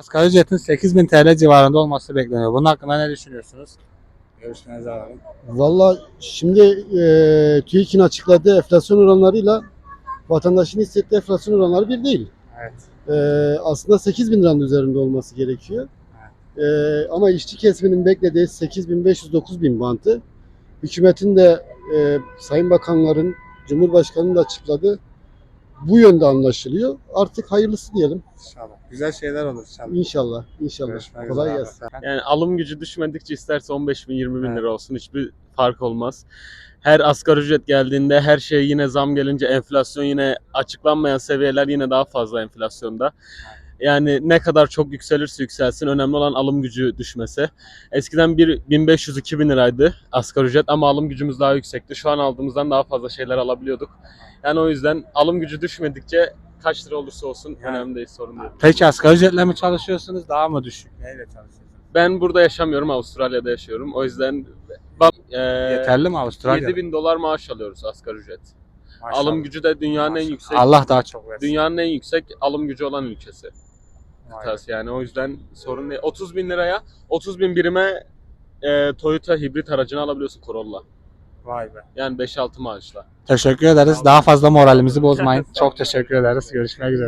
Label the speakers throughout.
Speaker 1: Asgari ücretin 8.000 TL civarında olması bekleniyor. Bunun hakkında ne düşünüyorsunuz? Görüşmenizi alalım.
Speaker 2: Valla şimdi TÜİK'in açıkladığı enflasyon oranlarıyla vatandaşın hissettiği enflasyon oranları bir değil.
Speaker 1: Evet.
Speaker 2: Aslında 8 bin liranın üzerinde olması gerekiyor. Ama işçi kesiminin beklediği 8.500-9 bin bandı. Hükümetin de Sayın Bakanların, Cumhurbaşkanı'nın da açıkladığı bu yönde anlaşılıyor. Artık hayırlısı diyelim.
Speaker 1: İnşallah. Güzel şeyler olur inşallah.
Speaker 2: İnşallah. İnşallah.
Speaker 1: Görüşmek
Speaker 2: Kolay
Speaker 1: üzere.
Speaker 2: gelsin.
Speaker 3: Yani alım gücü düşmedikçe isterse 15 bin 20 bin
Speaker 1: Evet.
Speaker 3: lira olsun hiçbir fark olmaz. Her asgari ücret geldiğinde her şey yine zam gelince enflasyon yine açıklanmayan seviyeler yine daha fazla enflasyonda. Yani ne kadar çok yükselirse yükselsin önemli olan alım gücü düşmesi. Eskiden 1500-2000 liraydı asgari ücret ama alım gücümüz daha yüksekti. Şu an aldığımızdan daha fazla şeyler alabiliyorduk. Yani o yüzden alım gücü düşmedikçe kaç lira olursa olsun
Speaker 1: Yani.
Speaker 3: önemli değil, sorun değil.
Speaker 1: Peki asgari ücretle mi çalışıyorsunuz? Daha mı düşük? Neyle çalışıyorsunuz?
Speaker 3: Ben burada yaşamıyorum, Avustralya'da yaşıyorum. O yüzden
Speaker 1: Yeterli mi Avustralya'da?
Speaker 3: 7.000 dolar maaş alıyoruz asgari ücret.
Speaker 1: Maşallah.
Speaker 3: Alım gücü de dünyanın en
Speaker 1: Maşallah.
Speaker 3: yüksek,
Speaker 1: Allah daha çok versin.
Speaker 3: dünyanın en yüksek alım gücü olan ülkesi.
Speaker 1: Vay be.
Speaker 3: Yani o yüzden sorun değil. 30 bin liraya, 30 bin birime Toyota hibrit aracını alabiliyorsun Corolla.
Speaker 1: Vay be.
Speaker 3: Yani 5-6 maaşla.
Speaker 1: Teşekkür ederiz. Daha fazla moralimizi bozmayın. Çok teşekkür ederiz. Görüşmek üzere.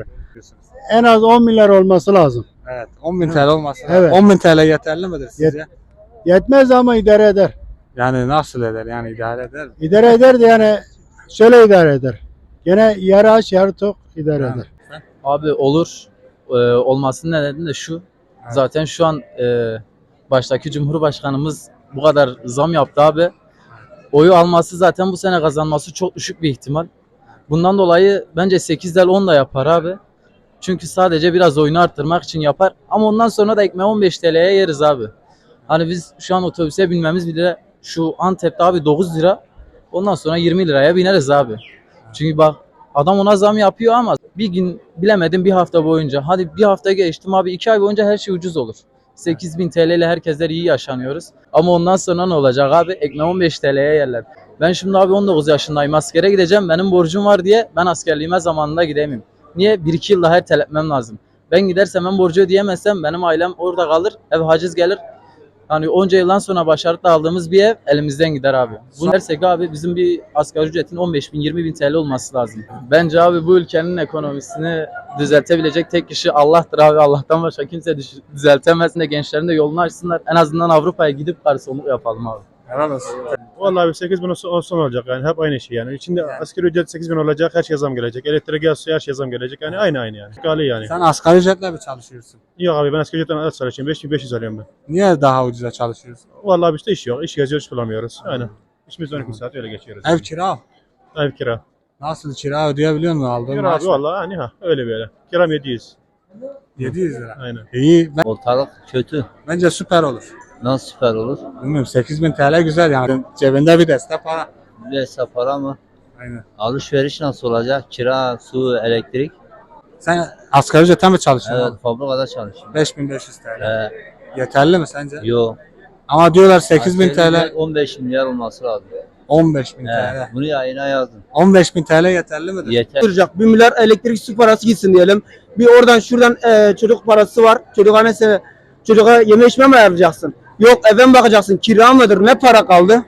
Speaker 2: En az 10 milyar olması lazım.
Speaker 1: Evet. 10.000 TL olması.
Speaker 2: Evet.
Speaker 1: 10.000 TL yeterli midir sizce?
Speaker 2: Yetmez ama idare eder.
Speaker 1: Yani nasıl eder? Yani idare eder mi?
Speaker 2: İdare eder de yani şöyle idare eder. Gene yarı aç yarı tok idare
Speaker 1: Yani.
Speaker 2: eder.
Speaker 4: Abi olur. Olmasının nedeni de şu.
Speaker 1: Evet.
Speaker 4: Zaten şu an baştaki Cumhurbaşkanımız bu kadar zam yaptı abi. Oyu alması zaten bu sene kazanması çok düşük bir ihtimal. Bundan dolayı bence 8'den 10 da yapar abi. Çünkü sadece biraz oyunu arttırmak için yapar. Ama ondan sonra da ekmeği 15 TL'ye yeriz abi. Hani biz şu an otobüse binmemiz bile şu Antep'te abi 9 lira. Ondan sonra 20 liraya bineriz abi. Çünkü bak adam ona zam yapıyor ama bir gün bilemedim bir hafta boyunca. Hadi bir hafta geçtim abi 2 ay boyunca her şey ucuz olur. 8.000 TL ile herkesler iyi yaşanıyoruz. Ama ondan sonra ne olacak abi? Ekmeği 15 TL'ye yerler. Ben şimdi abi 19 yaşındayım. Askere gideceğim. Benim borcum var diye ben askerliğime zamanında gidemeyim. Niye? 1-2 yıl daha erteletmem lazım. Ben gidersem ben borcu ödeyemezsem benim ailem orada kalır. Ev haciz gelir. Hani onca yıldan sonra başarılı aldığımız bir ev elimizden gider abi. Bunu dersek abi bizim bir asgari ücretin 15 bin 20 bin TL olması lazım. Bence abi bu ülkenin ekonomisini düzeltebilecek tek kişi Allah'tır abi. Allah'tan başka kimse düzeltemez. Ne gençlerin de yolunu açsınlar. En azından Avrupa'ya gidip garsonluk yapalım abi.
Speaker 1: Helal olsun.
Speaker 5: Vallahi 8 bin olsun olacak yani hep aynı şey yani. İçinde asgari ücret 8 bin olacak, her şey zam gelecek. Elektrik, gaz, suya her şey zam gelecek. Yani aynı yani. Gali yani.
Speaker 1: Sen asgari ücretle mi çalışıyorsun?
Speaker 5: Yok abi ben asgari ücretten az çalışıyorum. 5500 alıyorum ben.
Speaker 1: Niye daha ucuza çalışıyorsun?
Speaker 5: Vallahi işte iş yok. İş geziyoruz, iş bulamıyoruz. Aynen. İşimiz 12 saat öyle geçiyoruz.
Speaker 1: Ev kira.
Speaker 5: Ev kira.
Speaker 1: Nasıl kira ödeyebiliyor musun aldığın
Speaker 5: Kira
Speaker 1: maaş?
Speaker 5: abi vallahi hani öyle böyle. Kiram 700.
Speaker 1: 700 lira.
Speaker 5: Aynen.
Speaker 1: İyi.
Speaker 6: Ortalık kötü.
Speaker 1: Bence süper olur.
Speaker 6: Nasıl süper olur?
Speaker 1: Bilmiyorum 8.000 TL güzel yani. Cebinde bir destek para.
Speaker 6: Bir hesap para mı?
Speaker 1: Aynen.
Speaker 6: Alışveriş nasıl olacak? Kira, su, elektrik.
Speaker 1: Sen asgari ücretle mi çalışıyorsun?
Speaker 6: Evet, fabrikada çalışıyorum.
Speaker 1: 5.500 TL.
Speaker 6: Ee,
Speaker 1: Yeterli mi sence?
Speaker 6: Yok.
Speaker 1: Ama diyorlar 8.000
Speaker 6: Asgari
Speaker 1: TL,
Speaker 6: ücret 15 milyar olması lazım.
Speaker 1: 15.000
Speaker 6: He,
Speaker 1: TL.
Speaker 6: bunu yayına yazdım.
Speaker 1: 15.000 TL yeterli midir?
Speaker 6: Yeter.
Speaker 7: Duracak. 1 milyar elektrik su parası gitsin diyelim. Bir oradan şuradan çocuk parası var. Çocuğa yeme içme mi ayarlayacaksın? Yok eve mi bakacaksın? Kira mıdır? Ne para kaldı?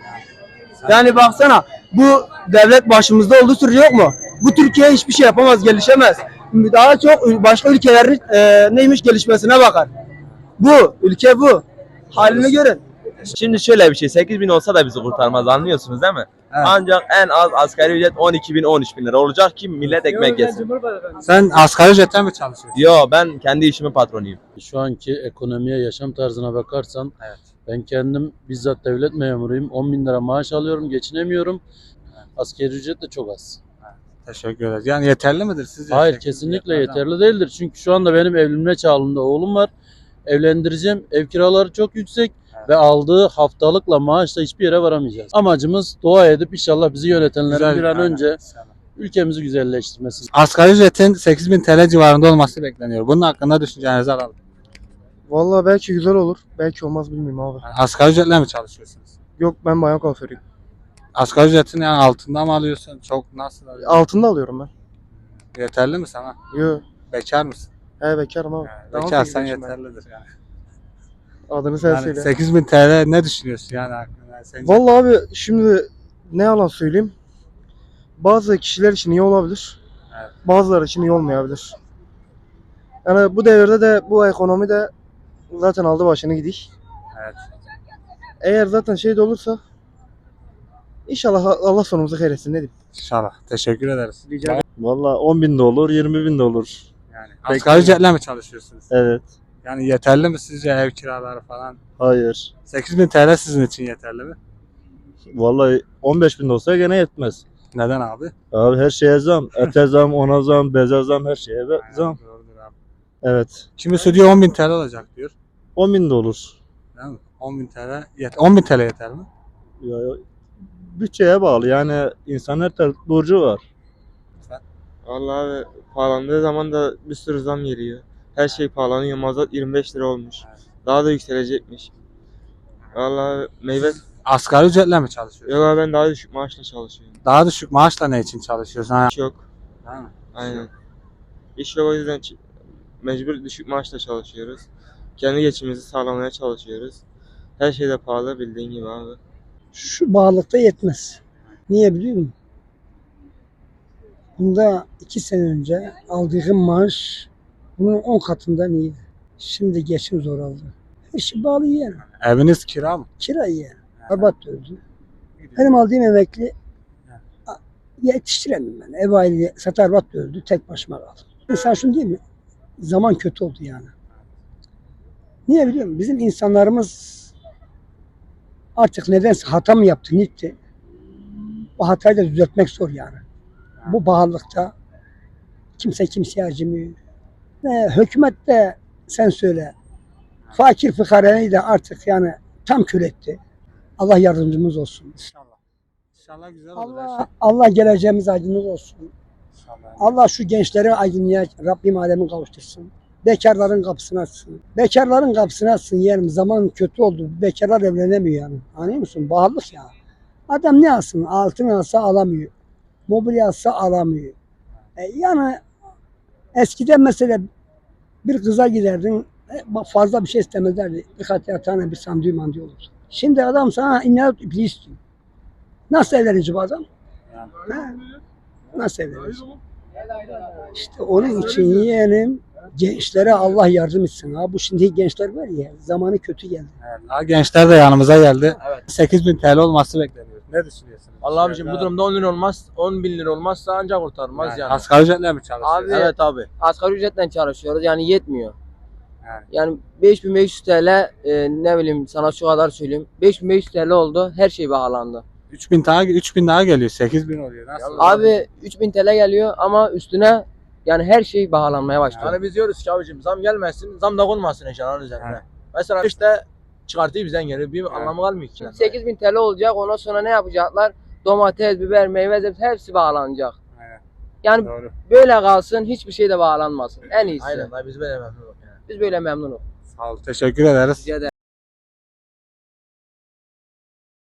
Speaker 7: Yani baksana bu devlet başımızda olduğu sürece yok mu? Bu Türkiye hiçbir şey yapamaz, gelişemez. Daha çok başka ülkelerin neymiş gelişmesine bakar. Bu, ülke bu. Halini görün.
Speaker 8: Şimdi şöyle bir şey, 8 bin olsa da bizi kurtarmaz, anlıyorsunuz değil mi?
Speaker 1: Evet.
Speaker 8: Ancak en az asgari ücret 12 bin 13 bin lira olacak ki millet ekmek yesin.
Speaker 1: Sen asgari ücretle mi çalışıyorsun?
Speaker 8: Yo, ben kendi işimin patronuyum.
Speaker 9: Şu anki ekonomiye, yaşam tarzına bakarsan
Speaker 1: Evet.
Speaker 9: ben kendim bizzat devlet memuruyum. 10 bin lira maaş alıyorum, geçinemiyorum. Asgari ücret de çok az.
Speaker 1: Teşekkür ederiz. Yani yeterli midir sizce?
Speaker 9: Hayır,
Speaker 1: 8.000
Speaker 9: kesinlikle
Speaker 1: yetmez
Speaker 9: yeterli değildir. Çünkü şu anda benim evlenme çağında oğlum var. Evlendireceğim. Ev kiraları çok yüksek ve aldığı haftalıkla maaşla hiçbir yere varamayacağız. Amacımız dua edip inşallah bizi yönetenlerin
Speaker 1: Güzel,
Speaker 9: bir an
Speaker 1: aynen.
Speaker 9: önce ülkemizi güzelleştirmesi.
Speaker 1: Asgari ücretin 8.000 TL civarında olması bekleniyor. Bunun hakkında düşüncenizi alalım.
Speaker 2: Vallahi belki güzel olur. Belki olmaz bilmiyorum abi.
Speaker 1: Yani asgari ücretle mi çalışıyorsunuz?
Speaker 2: Yok ben bayan kuaförüyüm.
Speaker 1: Asgari ücretin yani altında mı alıyorsun? Çok nasıl alıyorsun?
Speaker 2: Altında alıyorum ben.
Speaker 1: Yeterli mi sana?
Speaker 2: Yok.
Speaker 1: Bekar mısın?
Speaker 7: He bekarım abi. Daha
Speaker 1: Bekarsan
Speaker 7: 18 yaşındayım.
Speaker 1: yeterlidir yani.
Speaker 7: Adını sen
Speaker 1: Yani
Speaker 7: söyle.
Speaker 1: 8000 TL ne düşünüyorsun yani aklına? Yani sence?
Speaker 7: Vallahi abi şimdi ne yalan söyleyeyim. Bazı kişiler için iyi olabilir.
Speaker 1: Evet.
Speaker 7: Bazıları için iyi olmayabilir. Yani bu devirde de bu ekonomi de zaten aldı başını gidik.
Speaker 1: Evet.
Speaker 7: Eğer zaten şey de olursa inşallah Allah sonumuzu hayretsin ne diyeyim.
Speaker 1: İnşallah. Teşekkür ederiz.
Speaker 7: Rica ederim.
Speaker 5: Valla 10.000 de olur, 20.000 de olur.
Speaker 1: Yani asgari ücretle mi çalışıyorsunuz?
Speaker 5: Evet.
Speaker 1: Yani yeterli mi sizce ev kiraları falan?
Speaker 5: Hayır.
Speaker 1: 8000 TL sizin için yeterli mi?
Speaker 5: Vallahi 15.000 de olsa gene yetmez.
Speaker 1: Neden abi?
Speaker 5: Abi her şeye zam. Ete zam, ona zam, beze zam, her şeye zam.
Speaker 1: Doğrudur abi.
Speaker 5: Evet.
Speaker 1: Kimisi diyor 10.000 TL olacak diyor.
Speaker 5: 10.000 de olur.
Speaker 1: Değil mi? 10.000 TL yeter. 10.000 TL yeter mi?
Speaker 5: Ya, bütçeye bağlı. Yani insan her türlü borcu var.
Speaker 10: Vallahi abi pahalandığı zaman da bir sürü zam geliyor. Her şey pahalanıyor. Mazot 25 lira olmuş. Daha da yükselecekmiş. Vallahi meyve...
Speaker 1: Asgari ücretle mi çalışıyorsun?
Speaker 10: Yok abi ben daha düşük maaşla çalışıyorum.
Speaker 1: Daha düşük maaşla ne için çalışıyorsun? Ha,
Speaker 10: İş yok.
Speaker 1: değil mi?
Speaker 10: Aynen. İş yok o yüzden mecbur düşük maaşla çalışıyoruz. Kendi geçimimizi sağlamaya çalışıyoruz. Her şey de pahalı bildiğin gibi abi.
Speaker 11: Şu bağlılıkta yetmez. Niye biliyor musun? Bunda 2 sene önce aldığım maaş bunun 10 katından iyiydi. Şimdi geçim zor oldu. Her şey bağlı yani.
Speaker 1: Eviniz kira mı?
Speaker 11: Kira yani. Abat öldü. Benim aldığım emekli yetiştiremiyorum ben. Ev aile satar bat öldü. Tek başıma kaldım. Mesela şunu diyeyim mi? Zaman kötü oldu yani. Niye biliyor musun? Bizim insanlarımız artık nedense hata mı yaptı, gitti. Bu hatayı da düzeltmek zor yani. Bu pahalılıkta kimse kimseye acımıyor. Hükümet de sen söyle. Fakir fıkarayı da artık yani tam kül etti. Allah yardımcımız olsun.
Speaker 1: İnşallah. İnşallah güzel olur. her şey.
Speaker 11: Allah geleceğimiz aydınlık olsun.
Speaker 1: İnşallah.
Speaker 11: Allah şu gençleri aydınlığa Rabbim alemi kavuştursun. Bekarların kapısını açsın. Bekarların kapısını açsın yeğenim. Zaman kötü oldu. Bekarlar evlenemiyor yani. Anlıyor musun? Bağlılık ya. Adam ne alsın? Altın alsa alamıyor. Mobilya alsa alamıyor. Yani eskiden mesela bir kıza giderdin fazla bir şey istemezlerdi. Birkaç tane bir sandığı mandığı olurdu. Şimdi adam sana inat ipliği istiyor. Nasıl evlenecek bu adam? Ha? Nasıl evlenecek? İşte onun için yeğenim gençlere Allah yardım etsin. Ha bu şimdi gençler var ya zamanı kötü geldi.
Speaker 1: Evet, daha gençler de yanımıza geldi. Evet. 8000 TL olması bekleniyor. Ne düşünüyorsunuz?
Speaker 8: Allah abicim bu durumda 10 lira olmaz, 10 bin lira olmazsa ancak kurtarmaz yani.
Speaker 1: Asgari ücretle mi çalışıyorsunuz?
Speaker 6: Abi
Speaker 8: Evet abi.
Speaker 6: asgari ücretle çalışıyoruz yani yetmiyor.
Speaker 1: Yani.
Speaker 6: Yani 5500 TL ne bileyim sana şu kadar söyleyeyim. 5500 TL oldu her şey pahalandı.
Speaker 1: 3000 daha geliyor. 8000 oluyor. Nasıl?
Speaker 6: Abi 3000 TL geliyor ama üstüne yani her şey pahalanmaya başladı.
Speaker 8: Yani biz diyoruz ki abicim zam gelmesin, zam da konmasın eşyaların üzerine.
Speaker 1: Evet.
Speaker 8: Mesela işte çıkartıyor bizden geri bir anlamı kalmıyor ki.
Speaker 6: 8000 TL olacak ondan sonra ne yapacaklar? Domates, biber, meyve hepsi bağlanacak.
Speaker 1: Aynen.
Speaker 6: Yani
Speaker 1: Doğru.
Speaker 6: böyle kalsın hiçbir şey de bağlanmasın. En iyisi.
Speaker 8: Aynen biz böyle memnunuz yani.
Speaker 6: Biz böyle memnunuz.
Speaker 1: Sağ olun. Teşekkür ederiz.
Speaker 6: Rica ederim.